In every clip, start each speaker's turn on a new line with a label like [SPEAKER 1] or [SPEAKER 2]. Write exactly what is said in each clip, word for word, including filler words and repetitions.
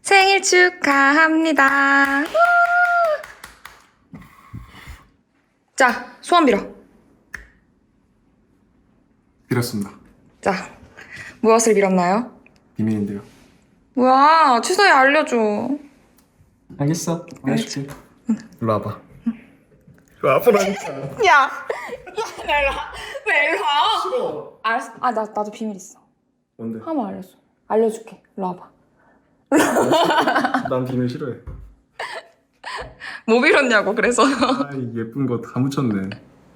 [SPEAKER 1] 생일 축하합니다. 우! 자, 소원 빌어.
[SPEAKER 2] 빌었습니다.
[SPEAKER 1] 자, 무엇을 빌었나요?
[SPEAKER 2] 비밀인데요.
[SPEAKER 1] 뭐야, 취소해 알려줘.
[SPEAKER 2] 알겠어. 알려줄게. 일로 와봐. 일로 와보라니까.
[SPEAKER 1] 야, 야, 나 일로 와. 왜 일로 와?
[SPEAKER 2] 싫어.
[SPEAKER 1] 알았어. 아, 나 나도 비밀 있어.
[SPEAKER 2] 뭔데?
[SPEAKER 1] 한번 알려줘. 알려줄게. 일로 와봐.
[SPEAKER 2] 난 비밀 싫어해.
[SPEAKER 1] 뭐 빌었냐고 그래서.
[SPEAKER 2] 아이 예쁜 거 다 묻혔네.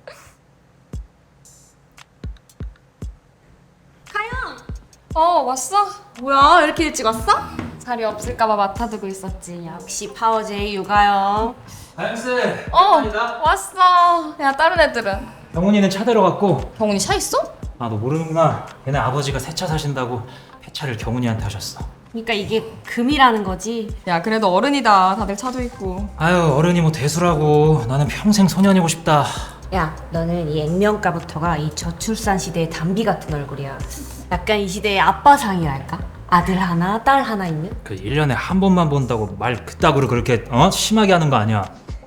[SPEAKER 1] 어, 왔어? 뭐야, 이렇게 일찍 왔어?
[SPEAKER 3] 자리 없을까봐 맡아두고 있었지. 역시 파워제이 육아요.
[SPEAKER 4] 하영씨!
[SPEAKER 1] 어, 왔어. 야, 다른 애들은?
[SPEAKER 4] 병훈이는 차 데려갔고.
[SPEAKER 1] 경훈이 차 있어?
[SPEAKER 4] 아, 너 모르는구나. 걔네 아버지가 새 차 사신다고 폐차를 경훈이한테 하셨어.
[SPEAKER 3] 그러니까 이게 금이라는 거지.
[SPEAKER 1] 야, 그래도 어른이다. 다들 차도 있고.
[SPEAKER 4] 아유, 어른이 뭐 대수라고. 나는 평생 소년이고 싶다.
[SPEAKER 3] 야, 너는 이 액면가부터가 이 저출산 시대의 담비 같은 얼굴이야. 약간 이 시대의 아빠상이랄까? 아들 하나, 딸 하나 있는?
[SPEAKER 4] 그 일 년에 한 번만 본다고 말 그따구로 그렇게 어? 심하게 하는 거 아니야.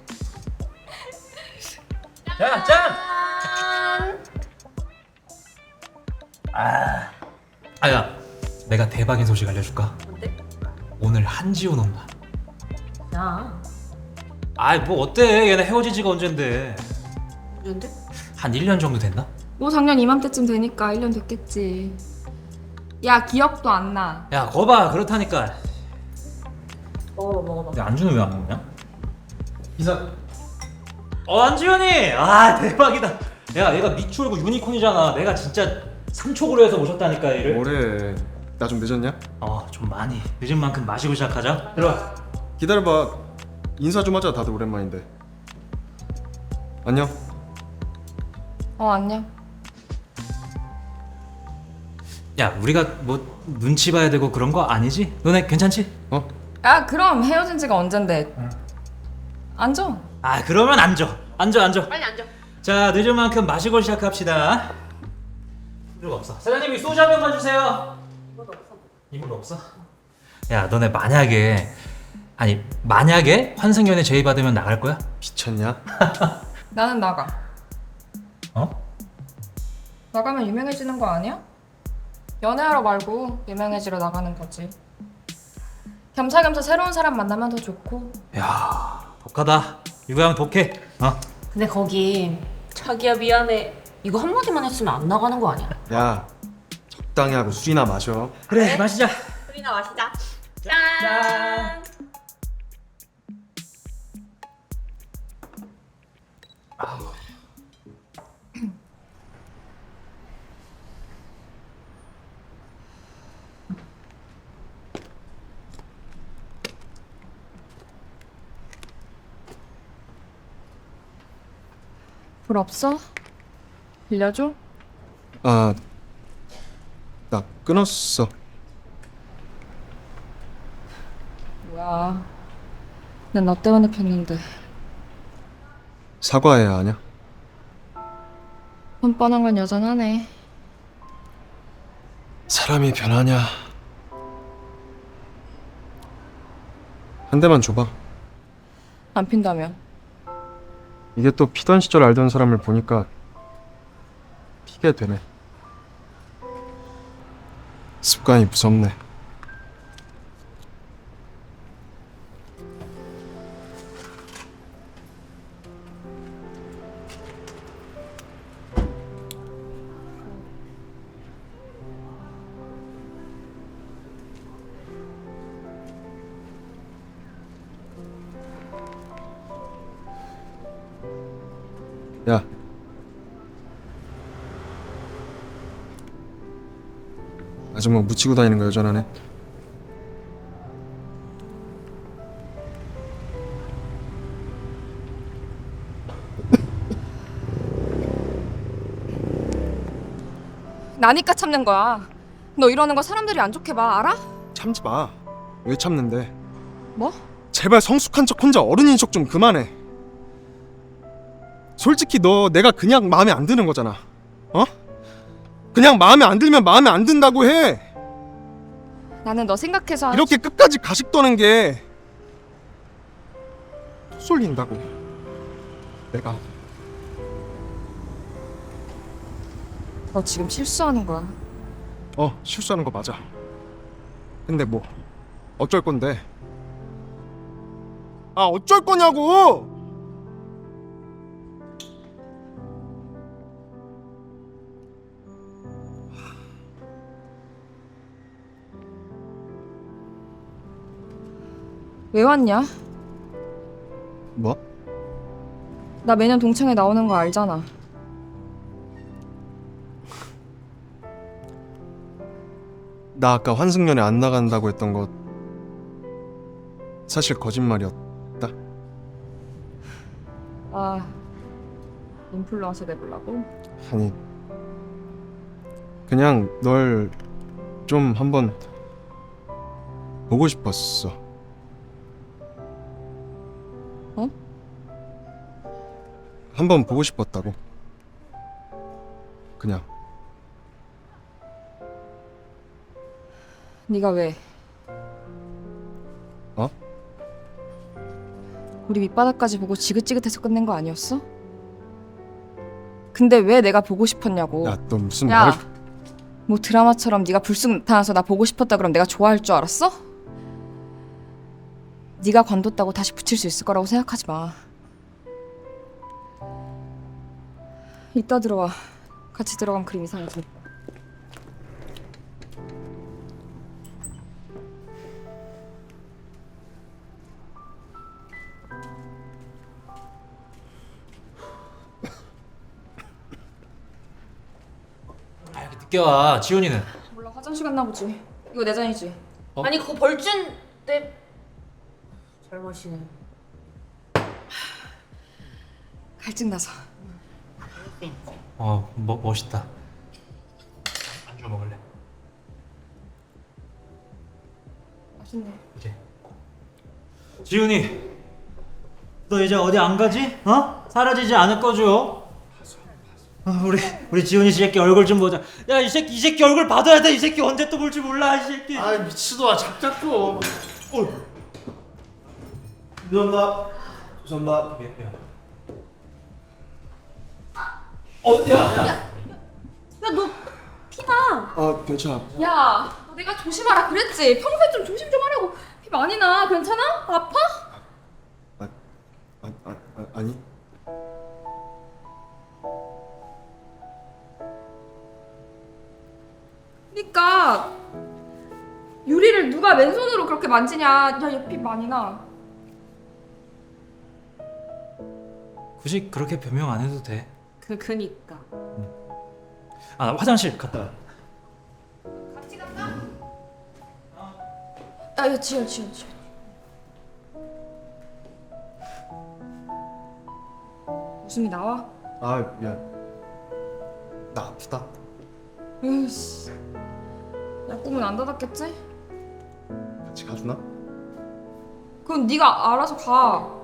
[SPEAKER 4] 자, 짠! 아, 아야, 내가 대박인 소식 알려줄까?
[SPEAKER 3] 뭔데?
[SPEAKER 4] 오늘 한지훈 온다.
[SPEAKER 3] 야,
[SPEAKER 4] 아이, 뭐 어때? 얘네 헤어진 지가 언젠데.
[SPEAKER 3] 뭔데?
[SPEAKER 4] 한 일 년 정도 됐나?
[SPEAKER 1] 뭐 작년 이맘때쯤 되니까 일 년 됐겠지. 야, 기억도 안 나.
[SPEAKER 4] 야, 거봐, 그렇다니까.
[SPEAKER 3] 먹어봐, 먹어봐.
[SPEAKER 4] 근데 안주는 왜 안 먹냐?
[SPEAKER 2] 이사.
[SPEAKER 4] 어, 안지현이! 아, 대박이다. 야, 얘가 미추홀고 유니콘이잖아. 내가 진짜 삼촉으로 해서 모셨다니까, 얘를.
[SPEAKER 2] 뭐래? 나 좀 늦었냐?
[SPEAKER 4] 어, 좀 많이. 늦은 만큼 마시고 시작하자. 들어와.
[SPEAKER 2] 기다려봐. 인사 좀 하자. 다들 오랜만인데. 안녕.
[SPEAKER 1] 어, 안녕.
[SPEAKER 4] 야, 우리가 뭐 눈치 봐야 되고 그런 거 아니지? 너네 괜찮지?
[SPEAKER 2] 어?
[SPEAKER 1] 야, 그럼 헤어진 지가 언젠데. 앉아.
[SPEAKER 4] 아, 그러면 앉아. 앉아, 앉아.
[SPEAKER 3] 빨리 앉아.
[SPEAKER 4] 자, 늦은 만큼 마시고 시작합시다. 이거 없어. 사장님, 이 소주 한 병만 주세요.
[SPEAKER 3] 이것도 없어.
[SPEAKER 4] 이물로 없어? 야, 너네 만약에 아니 만약에 환승연애 제의 받으면 나갈 거야?
[SPEAKER 2] 미쳤냐?
[SPEAKER 1] 나는 나가.
[SPEAKER 4] 어?
[SPEAKER 1] 나가면 유명해지는 거 아니야? 연애하러 말고 유명해지러 나가는 거지. 겸사겸사 새로운 사람 만나면 더 좋고.
[SPEAKER 4] 야, 독하다. 유가형 독해. 어?
[SPEAKER 3] 근데 거기 자기야 미안해. 이거 한마디만 했으면 안 나가는 거 아니야?
[SPEAKER 2] 야, 적당히 하고 술이나 마셔.
[SPEAKER 4] 그래, 마시자.
[SPEAKER 3] 술이나 마시자.
[SPEAKER 4] 짠.
[SPEAKER 1] 불 없어? 빌려줘?
[SPEAKER 2] 아, 나 끊었어.
[SPEAKER 1] 뭐야. 난 너 때문에 폈는데.
[SPEAKER 2] 사과해야 하냐?
[SPEAKER 1] 뻔뻔한 건 여전하네.
[SPEAKER 2] 사람이 변하냐? 한 대만 줘봐.
[SPEAKER 1] 안 핀다면?
[SPEAKER 2] 이게 또 피던 시절 알던 사람을 보니까 피게 되네. 습관이 무섭네. 야, 아줌마 묻히고 다니는 거 여전하네.
[SPEAKER 1] 나니까 참는 거야. 너 이러는 거 사람들이 안 좋게 봐, 알아?
[SPEAKER 2] 참지 마. 왜 참는데?
[SPEAKER 1] 뭐?
[SPEAKER 2] 제발 성숙한 척 혼자 어른인 척 좀 그만해. 솔직히 너 내가 그냥 마음에 안 드는 거잖아. 어? 그냥 마음에 안 들면 마음에 안 든다고 해.
[SPEAKER 1] 나는 너 생각해서 하는
[SPEAKER 2] 이렇게 끝까지 가식 떠는 게 쏠린다고. 내가
[SPEAKER 1] 너 지금 실수하는 거야.
[SPEAKER 2] 어 실수하는 거 맞아. 근데 뭐 어쩔 건데? 아 어쩔 거냐고!
[SPEAKER 1] 왜 왔냐?
[SPEAKER 2] 뭐?
[SPEAKER 1] 나 매년 동창회 나오는 거 알잖아.
[SPEAKER 2] 나 아까 환승연애 안 나간다고 했던 거 사실 거짓말이었다.
[SPEAKER 1] 아, 인플루언서 돼보려고?
[SPEAKER 2] 아니 그냥 널 좀 한번 보고 싶었어.
[SPEAKER 1] 어?
[SPEAKER 2] 한번 보고 싶었다고. 그냥.
[SPEAKER 1] 네가 왜?
[SPEAKER 2] 어?
[SPEAKER 1] 우리 밑바닥까지 보고 지긋지긋해서 끝낸 거 아니었어? 근데 왜 내가 보고 싶었냐고.
[SPEAKER 2] 야 너 무슨
[SPEAKER 1] 야,
[SPEAKER 2] 말?
[SPEAKER 1] 뭐 드라마처럼 네가 불쑥 나타나서 나 보고 싶었다 그럼 내가 좋아할 줄 알았어? 네가 관뒀다고 다시 붙일 수 있을 거라고 생각하지 마. 이따 들어와. 같이 들어가면 그림 이상해져.
[SPEAKER 4] 아 이렇게 늦게 와. 지훈이는?
[SPEAKER 1] 몰라, 화장실 갔나 보지. 이거 내 잔이지?
[SPEAKER 4] 어?
[SPEAKER 3] 아니 그거 벌준 내 잘못이네.
[SPEAKER 1] 갈증 나서.
[SPEAKER 4] 어 뭐, 멋있다. 안주 먹을래?
[SPEAKER 1] 맛있네.
[SPEAKER 4] 이제. 지훈이, 너 이제 어디 안 가지? 어? 사라지지 않을 거죠? 아, 우리 우리 지훈이 새끼 얼굴 좀 보자. 야 이 새끼 이 새끼 얼굴 봐둬야 돼. 이 새끼 언제 또 볼지 몰라 이 새끼.
[SPEAKER 5] 아 미치도아 작작 좀. 어. 죄송합니다. 죄송합니다.
[SPEAKER 4] 어, 야, 야.
[SPEAKER 2] 아 괜찮아.
[SPEAKER 1] 야, 너 내가 조심하라 그랬지? 평소에 좀 조심 좀 하라고. 피 많이 나. 괜찮아? 아파?
[SPEAKER 2] 아, 아, 아, 아 아니.
[SPEAKER 1] 그니까 유리를 누가 맨손으로 그렇게 만지냐. 야, 얘 피 많이 나.
[SPEAKER 4] 굳이 그렇게 변명 안 해도 돼.
[SPEAKER 3] 그 그니까.
[SPEAKER 4] 아, 나 화장실 갔다 와.
[SPEAKER 1] 같이 갈까? 야, 야, 지연, 지연, 지연. 웃음이 나와?
[SPEAKER 2] 아 미안. 나 아프다.
[SPEAKER 1] 으이씨. 약국문 안 닫았겠지?
[SPEAKER 2] 같이 가주나?
[SPEAKER 1] 그건 네가 알아서 가.